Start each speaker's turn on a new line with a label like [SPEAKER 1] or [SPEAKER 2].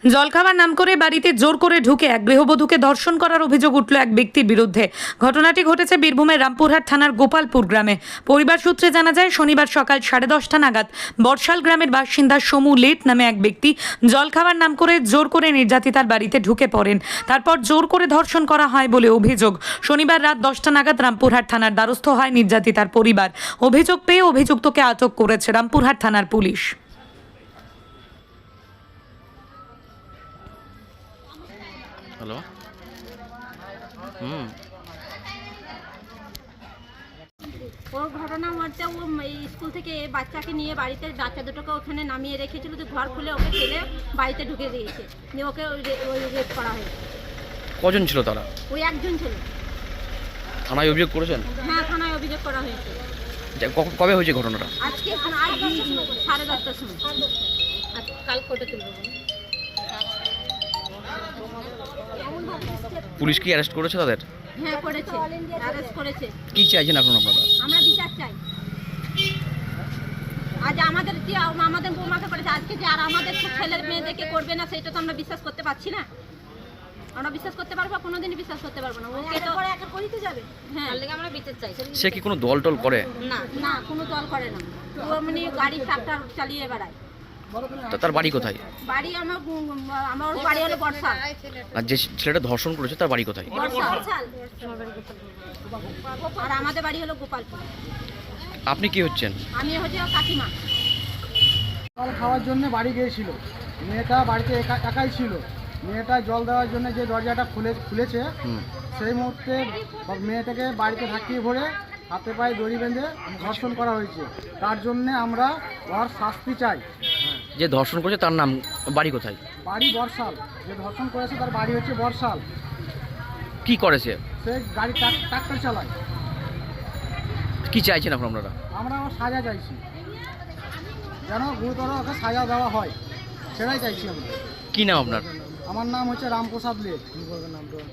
[SPEAKER 1] জলখাবার নাম করে বাড়িতে জোর করে ঢুকে এক গৃহবধূকে ধর্ষণ করার অভিযোগ উঠল এক ব্যক্তির বিরুদ্ধে। ঘটনাটি ঘটেছে বীরভূমের রামপুরহাট থানার গোপালপুর গ্রামে। পরিবার সূত্রে জানা যায়, শনিবার সকাল 10:30 নাগাদ বর্ষাল গ্রামের বাসিন্দা সমু লেট নামে এক ব্যক্তি জলখাবার নাম করে জোর করে নির্যাতিতার বাড়িতে ঢুকে পড়েন। তারপর জোর করে ধর্ষণ করা হয় বলে অভিযোগ। শনিবার রাত 10টা নাগাদ রামপুরহাট থানার দ্বারস্থ হয় নির্যাতিতার পরিবার। অভিযোগ পেয়ে অভিযুক্তকে আটক করেছে রামপুরহাট থানার পুলিশ।
[SPEAKER 2] হ্যালো।
[SPEAKER 3] ওর ঘটনা হচ্ছে, ও স্কুল থেকে বাচ্চাকে নিয়ে বাড়িতে, বাচ্চা দুটোকে ওখানে নামিয়ে রেখেছিল, তো ঘর খুলে ওকে ফেলে বাড়িতে ঢুকে দিয়েছে, দিয়ে ওকে ওই রেপ করা হয়েছে।
[SPEAKER 2] কজন ছিল তারা?
[SPEAKER 3] ওই একজন ছিল।
[SPEAKER 2] থানায় অভিযোগ করেছেন?
[SPEAKER 3] হ্যাঁ, থানায় অভিযোগ করা হয়েছে।
[SPEAKER 2] কবে হয়েছে ঘটনাটা?
[SPEAKER 3] আজকে 10:30টার সময়। কাল কোর্টে তুলব।
[SPEAKER 2] পুলিশ কি অ্যারেস্ট করেছে তাদের?
[SPEAKER 3] হ্যাঁ, করেছে, অ্যারেস্ট করেছে।
[SPEAKER 2] কি চাইছেন এখন আপনারা?
[SPEAKER 3] আমরা বিচার চাই। আজ আমাদের যে আমাদের বৌমাকে করেছে, আজকে যে আর আমাদের ছেলের মেয়েদেরকে করবে না, সেটা তো আমরা বিশ্বাস করতে পারছি না। আমরা বিশ্বাস করতে পারবো? কোনোদিনই বিশ্বাস করতে পারবো না। ওকে তো একা করিতে যাবে। হ্যাঁ, তার লাগি আমরা বিচার চাই।
[SPEAKER 2] সে কি কোনো দল টল করে?
[SPEAKER 3] না না, কোনো দল করে না। ও মানে গাড়ি ট্রাক্টর চালিয়ে বেড়ায়।
[SPEAKER 2] তার বাড়ি কোথায়?
[SPEAKER 3] বাড়ি আমার বাড়ি হলো বর্ষাল।
[SPEAKER 2] আর যে ছেলেটা ধর্ষণ করেছে তার বাড়ি কোথায়?
[SPEAKER 3] বর্ষাল। আর আমাদের বাড়ি হলো গোপালপুর।
[SPEAKER 2] আপনি কি হচ্ছেন?
[SPEAKER 3] আমি হচ্ছে কাকিমা।
[SPEAKER 4] জল খাওয়ার জন্য বাড়ি গিয়েছিল। মেয়েটা বাড়িতে একাই ছিল। মেয়েটা জল দেওয়ার জন্য যে দরজাটা খুলেছে, সেই মুহূর্তে মেয়েটাকে বাড়িতে ঢাকিয়ে ভরে হাতে পায়ে দড়ি বেঁধে ধর্ষণ করা হয়েছে। তার জন্যে আমরা ওর শাস্তি চাই।
[SPEAKER 2] যে ধর্ষণ করেছে তার নাম, বাড়ি কোথায়?
[SPEAKER 4] বাড়ি বর্ষাল। যে ধর্ষণ করেছে তার বাড়ি হচ্ছে বর্ষাল।
[SPEAKER 2] কি করেছে?
[SPEAKER 4] সে গাড়ি ট্রাক্টর চালায়।
[SPEAKER 2] কি চাইছেন এখন আপনারা?
[SPEAKER 4] আমরা ওর সাজা চাইছি, যেন গুরুতর ওকে সাজা দেওয়া হয়, সেটাই চাইছি আমরা।
[SPEAKER 2] কি নাম আপনার?
[SPEAKER 4] আমার নাম হচ্ছে রামপ্রসাদ লেট।